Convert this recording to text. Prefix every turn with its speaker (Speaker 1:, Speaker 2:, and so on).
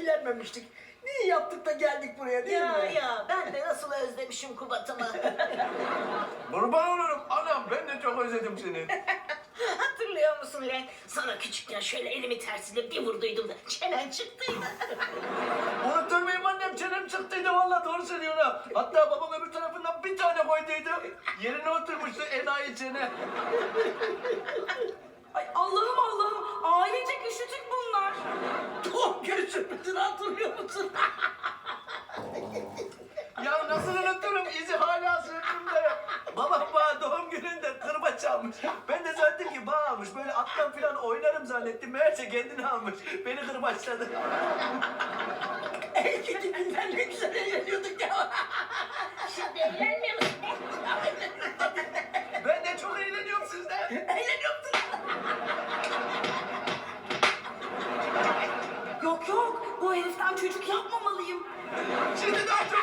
Speaker 1: eğlenmemiştik. Niye yaptık da geldik buraya değil mi?
Speaker 2: Ya ben de nasıl özlemişim Kubat'ımı.
Speaker 3: Kurban olurum anam, ben de çok özledim seni.
Speaker 2: Hatırlıyor musun lan? Sana küçükken şöyle elimi tersiyle bir vurduydum da çenen çıktıydı.
Speaker 3: Unutur muyum annem, çenem çıktıydı vallahi, doğru söylüyor ha. Hatta babam öbür tarafından bir tane koyduydu. Yerine oturmuştu enayi çene.
Speaker 4: Ay Allah'ım Allah'ım. Ailecek üşütük bunlar.
Speaker 1: Doğum günü sürprizini hatırlıyor musun?
Speaker 3: Ya nasıl unuturum, izi hala sırtımda. Babam bana doğum gününde kırbaç almış. Ben de zannettim ki bağ almış. Böyle attan falan oynarım zannettim. Meğerse kendini almış. Beni kırbaçladı.
Speaker 1: En kötü günler ne güzel eğleniyorduk ya.
Speaker 2: Şimdi eğlenmiyor musun?
Speaker 3: Ben de çok eğleniyorum sizden.
Speaker 1: Eğleniyorduk.
Speaker 4: Yok yok. Bu heriften çocuk yapmamalıyım.
Speaker 3: Şimdi daha çok